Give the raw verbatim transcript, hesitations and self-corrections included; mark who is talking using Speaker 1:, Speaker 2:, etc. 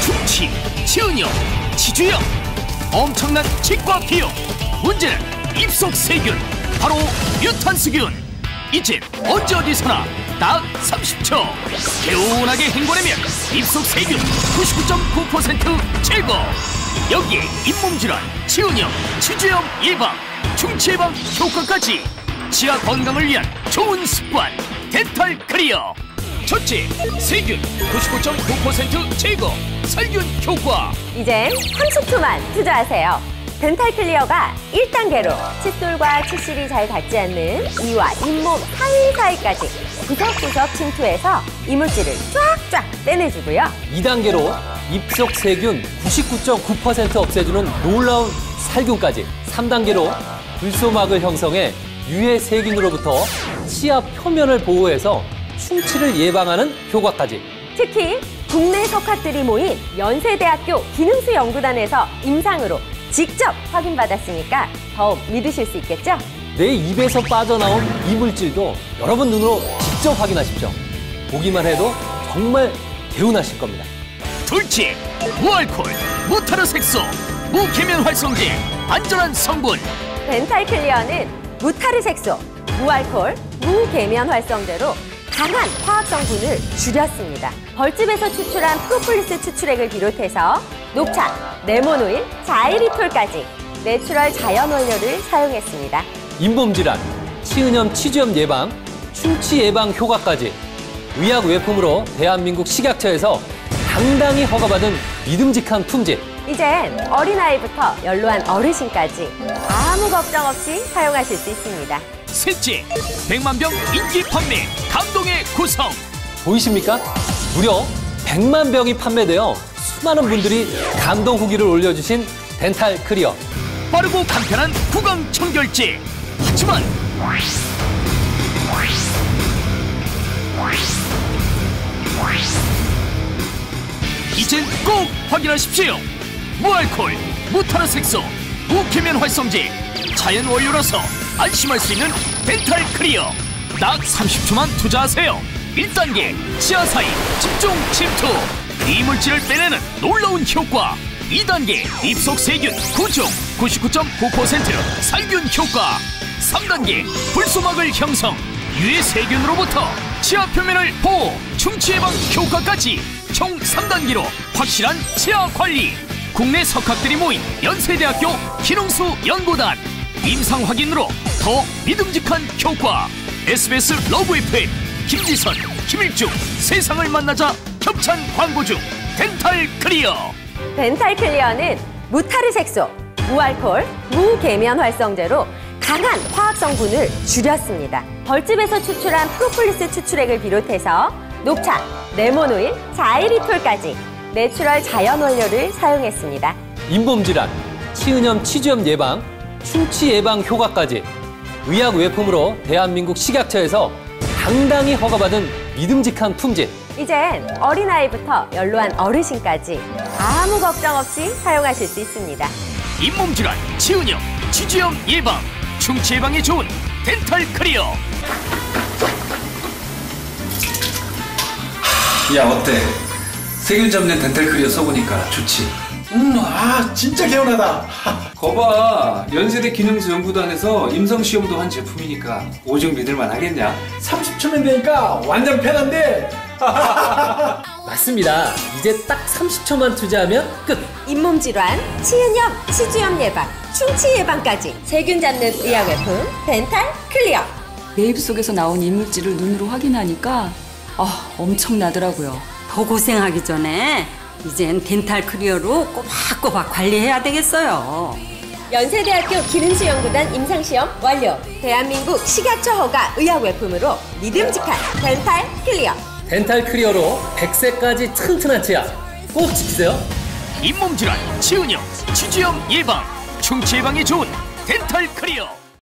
Speaker 1: 충치, 치은염, 치주염, 엄청난 치과 비용. 문제는 입속 세균, 바로 뮤탄스균. 이젠 언제 어디서나 딱 삼십 초 개운하게 헹궈내면 입속 세균 구십구 점 구 퍼센트 제거. 여기에 잇몸질환, 치은염, 치주염 예방, 충치 예방 효과까지. 치아 건강을 위한 좋은 습관 덴탈 클리어. 첫째, 세균 구십구 점 구 퍼센트 제거, 살균 효과.
Speaker 2: 이젠 삼십 초만 투자하세요. 덴탈 클리어가 일 단계로 칫솔과 치실이 잘 닿지 않는 이와 잇몸 사이사이까지 구석구석 침투해서 이물질을 쫙쫙 떼내주고요.
Speaker 3: 이 단계로 입속 세균 구십구 점 구 퍼센트 없애주는 놀라운 살균까지. 삼 단계로 불소막을 형성해 유해 세균으로부터 치아 표면을 보호해서 충치를 예방하는 효과까지.
Speaker 2: 특히 국내 석학들이 모인 연세대학교 기능수 연구단에서 임상으로 직접 확인받았으니까 더욱 믿으실 수 있겠죠?
Speaker 3: 내 입에서 빠져나온 이물질도 여러분 눈으로 직접 확인하십시오. 보기만 해도 정말 개운하실 겁니다.
Speaker 1: 둘째, 무알콜, 무타르 색소, 무계면 활성제, 안전한 성분.
Speaker 2: 덴탈 클리어는 무타르 색소, 무알콜, 무계면 활성제로 강한 화학 성분을 줄였습니다. 벌집에서 추출한 프로폴리스 추출액을 비롯해서 녹차, 레몬오일, 자이리톨까지 내추럴 자연 원료를 사용했습니다.
Speaker 3: 잇몸 질환, 치은염, 치주염 예방, 충치 예방 효과까지. 의약 외품으로 대한민국 식약처에서 당당히 허가받은 믿음직한 품질.
Speaker 2: 이젠 어린아이부터 연로한 어르신까지 아무 걱정 없이 사용하실 수 있습니다.
Speaker 1: 셋째, 백만 병 인기 판매, 감동의 구성.
Speaker 3: 보이십니까? 무려 백만 병이 판매되어 수많은 분들이 감동 후기를 올려주신 덴탈 클리어.
Speaker 1: 빠르고 간편한 구강 청결제. 하지만 이젠 꼭 확인하십시오. 무알콜, 무타르 색소, 무계면 활성제, 자연 원료라서 안심할 수 있는 덴탈 클리어. 딱 삼십 초만 투자하세요. 일 단계 치아 사이 집중 침투, 이물질을 빼내는 놀라운 효과. 이 단계 입속 세균 구종 구십구 점 구 퍼센트 살균 효과. 삼 단계 불소막을 형성, 유해 세균으로부터 치아 표면을 보호, 충치 예방 효과까지. 총 삼 단계로 확실한 치아 관리. 국내 석학들이 모인 연세대학교 기능수 연구단 임상 확인으로 더 믿음직한 효과. 에스비에스 러브 에프엠 김지선, 김일중 세상을 만나자 협찬 광고 중 덴탈 클리어.
Speaker 2: 덴탈 클리어는 무타르 색소, 무알콜, 무계면 활성제로 강한 화학 성분을 줄였습니다. 벌집에서 추출한 프로폴리스 추출액을 비롯해서 녹차, 레몬오일, 자이리톨까지 내추럴 자연 원료를 사용했습니다.
Speaker 3: 잇몸 질환, 치은염, 치주염 예방, 충치 예방 효과까지. 의약 외품으로 대한민국 식약처에서 당당히 허가받은 믿음직한 품질.
Speaker 2: 이젠 어린아이부터 연로한 어르신까지 아무 걱정 없이 사용하실 수 있습니다.
Speaker 1: 잇몸 질환, 치은염, 치주염 예방, 충치 예방에 좋은 덴탈 클리어.
Speaker 4: 야, 어때? 세균 잡는 덴탈 클리어 써보니까 좋지?
Speaker 5: 음, 아, 진짜 개운하다.
Speaker 4: 거봐, 연세대 기능수 연구단에서 임상시험도 한 제품이니까 오죽 믿을만 하겠냐?
Speaker 5: 삼십 초면 되니까 완전 편한데.
Speaker 3: 맞습니다. 이제 딱 삼십 초만 투자하면 끝.
Speaker 2: 잇몸 질환, 치은염, 치주염 예방, 충치 예방까지 세균 잡는 의약 외품 덴탈 클리어.
Speaker 6: 내 입속에서 나온 이물질을 눈으로 확인하니까 아, 엄청나더라고요.
Speaker 7: 더 고생하기 전에 이젠 덴탈 클리어로 꼬박꼬박 관리해야 되겠어요.
Speaker 2: 연세대학교 기능수 연구단 임상시험 완료. 대한민국 식약처 허가 의약 외품으로 믿음직한 덴탈 클리어.
Speaker 3: 덴탈 클리어로 백 세까지 튼튼한 치아 꼭 지키세요.
Speaker 1: 잇몸 질환, 치은염, 치주염 예방, 충치 예방에 좋은 덴탈 클리어.